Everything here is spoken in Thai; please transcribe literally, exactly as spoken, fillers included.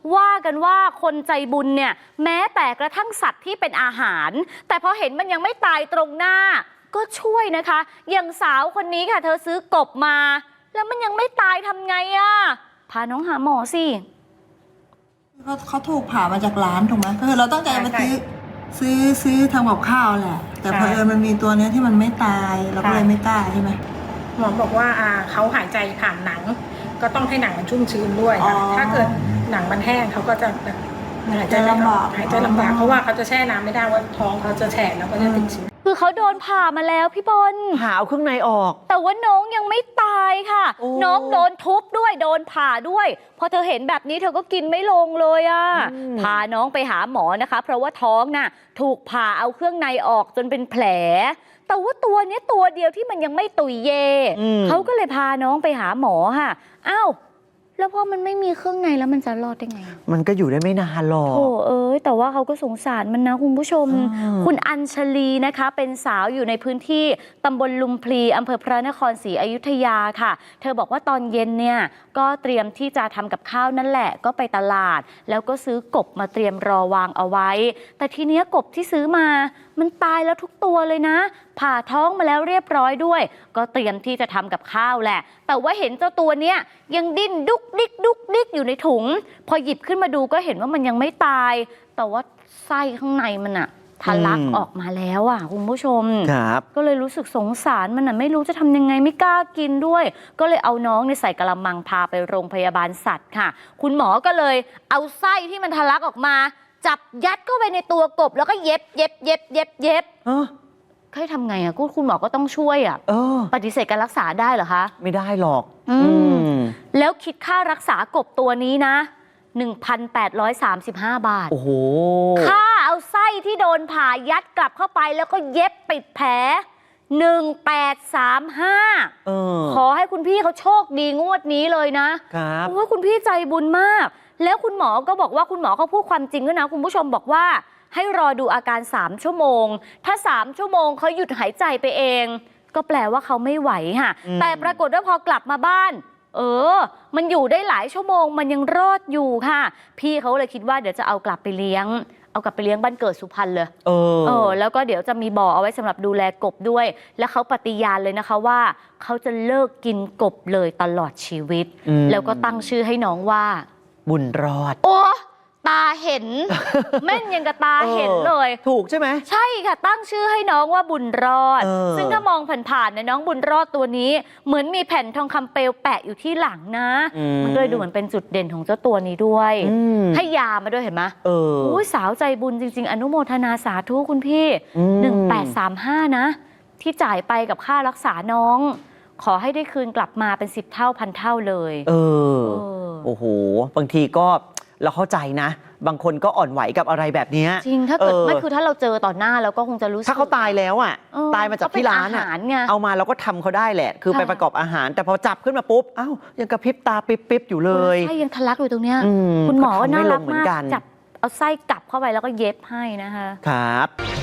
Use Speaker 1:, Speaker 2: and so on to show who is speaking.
Speaker 1: ว่ากันว่าคนใจบุญเนี่ยแม้แต่กระทั่งสัตว์ที่เป็นอาหารแต่พอเห็นมันยังไม่ตายตรงหน้าก็ช่วยนะคะอย่างสาวคนนี้ค่ะเธอซื้อกบมาแล้วมันยังไม่ตายทำไงอะพาน้องหาหมอสิ
Speaker 2: เขาเขาถูกผ่ามาจากร้านถูกไหมก็คือเราตั้งใจมาซื้อซื้อซื้อทำกับข้าวแหละแต่พอเออมันมีตัวเนี้ยที่มันไม่ตายเราก็เลยไม่กล้าใช่ไหม
Speaker 3: หมอบอกว่าอ่าเขาหายใจผ่านหนังก็ต้องให้หนังมันชุ่มชื้นด้วยค่ะถ้าเกิดหนังมันแห้งเขาก็จะแบบหายใจลำบากหายใจลำบากเพราะว่าเขาจะแช่น้ำไม่ได้ว่าท้องเขาจะแฉะแล้วก็จะติดเชื้อ
Speaker 1: คือเขาโดนผ่ามาแล้วพี่บอล
Speaker 4: ผ่าเอาเครื่องในออก
Speaker 1: แต่ว่าน้องยังไม่ตายค่ะน้องโดนทุบด้วยโดนผ่าด้วยพอเธอเห็นแบบนี้เธอก็กินไม่ลงเลยอ่ะพาน้องไปหาหมอนะคะเพราะว่าท้องน่ะถูกผ่าเอาเครื่องในออกจนเป็นแผลแต่ว่าตัวนี้ตัวเดียวที่มันยังไม่ตุยเยเขาก็เลยพาน้องไปหาหมอค่ะอ้าวแล้วพอมันไม่มีเครื่องในแล้วมันจะรอดได้ไง
Speaker 4: มันก็อยู่ได้ไม่นานหรอก
Speaker 1: โอ้เอ้ยแต่ว่าเขาก็สงสารมันนะคุณผู้ชมคุณอัญชลีนะคะเป็นสาวอยู่ในพื้นที่ตำบลลุมพลีอำเภอพระนครศรีอยุธยาค่ะเธอบอกว่าตอนเย็นเนี่ยก็เตรียมที่จะทำกับข้าวนั่นแหละก็ไปตลาดแล้วก็ซื้อกบมาเตรียมรอวางเอาไว้แต่ทีเนี้ยกบที่ซื้อมามันตายแล้วทุกตัวเลยนะผ่าท้องมาแล้วเรียบร้อยด้วยก็เตรียมที่จะทำกับข้าวแหละแต่ว่าเห็นเจ้าตัวเนี้ยยังดิ้นดุกดิกดุกดิกอยู่ในถุงพอหยิบขึ้นมาดูก็เห็นว่ามันยังไม่ตายแต่ว่าไส้ข้างในมันอะทะลักออกมาแล้วอ่ะคุณผู้ชม
Speaker 4: ครับ
Speaker 1: ก็เลยรู้สึกสงสารมันอ่ะไม่รู้จะทำยังไงไม่กล้ากินด้วยก็เลยเอาน้องในใส่กระมังพาไปโรงพยาบาลสัตว์ค่ะคุณหมอก็เลยเอาไส้ที่มันทะลักออกมาจับยัดเข้าไปในตัวกบแล้วก็เย็บเย็บเย็บเย็บเย็บเคยทำไงอ่ะคุณหมอก็ต้องช่วยอ่ะปฏิเสธการรักษาได้เหรอคะ
Speaker 4: ไม่ได้หรอก
Speaker 1: อืมแล้วคิดค่ารักษากบตัวนี้นะ หนึ่งพันแปดร้อยสามสิบห้า บาท
Speaker 4: โอ้โห
Speaker 1: ค่าเอาไส้ที่โดนผ่ายัดกลับเข้าไปแล้วก็เย็บปิดแผลหนึ่งพันแปดร้อยสามสิบห้า
Speaker 4: เออ
Speaker 1: ขอให้คุณพี่เขาโชคดีงวดนี้เลยนะครับเพราะว่าคุณพี่ใจบุญมากแล้วคุณหมอก็บอกว่าคุณหมอเขาพูดความจริงด้วยนะคุณผู้ชมบอกว่าให้รอดูอาการสามชั่วโมงถ้าสามชั่วโมงเขาหยุดหายใจไปเองก็แปลว่าเขาไม่ไหวค่ะแต่ปรากฏว่าพอกลับมาบ้านเออมันอยู่ได้หลายชั่วโมงมันยังรอดอยู่ค่ะพี่เขาเลยคิดว่าเดี๋ยวจะเอากลับไปเลี้ยงเอากลับไปเลี้ยงบ้านเกิดสุพรรณเลย
Speaker 4: เออ
Speaker 1: เออแล้วก็เดี๋ยวจะมีบ่อเอาไว้สำหรับดูแลกบด้วยและเขาปฏิญาณเลยนะคะว่าเขาจะเลิกกินกบเลยตลอดชีวิตแล้วก็ตั้งชื่อให้น้องว่า
Speaker 4: บุญรอด
Speaker 1: โอ้ตาเห็น แม่นยังกับตาเห็นเลย
Speaker 4: ถูกใช่ไหม
Speaker 1: ใช่ค่ะตั้งชื่อให้น้องว่าบุญรอดซึ่งถ้ามองผ่านๆเนี่ยน้องบุญรอดตัวนี้เหมือนมีแผ่นทองคำเปลวแปะอยู่ที่หลังนะมันก็เลยดูเหมือนเป็นจุดเด่นของเจ้าตัวนี้ด้วยให้ยามาด้วยเห็นไหม
Speaker 4: เออ
Speaker 1: อุ้ยสาวใจบุญจริงๆอนุโมทนาสาธุคุณพี่หนึ่งแปดสามห้านะที่จ่ายไปกับค่ารักษาน้องขอให้ได้คืนกลับมาเป็นสิบเท่าพันเท่าเลย
Speaker 4: เออโอ้โหบางทีก็เราเข้าใจนะบางคนก็อ่อนไหวกับอะไรแบบนี้
Speaker 1: จริงถ้าเกิดไม่คือถ้าเราเจอต่อหน้าเราก็คงจะรู้สึก
Speaker 4: ถ้าเขาตายแล้วอ่ะตายมาจากที่ร้านอ่ะเอามาเราก็ทำเขาได้แหละคือไปประกอบอาหารแต่พอจับขึ้นมาปุ๊บอ้าวยังกระพริบตาปิ๊บๆอยู่เลย
Speaker 1: ใช่ยังทะลักอยู่ตรงเนี้ยคุณหมอก็น่ารักมากจับเอาไส้กลับเข้าไปแล้วก็เย็บให้นะคะ
Speaker 4: ครับ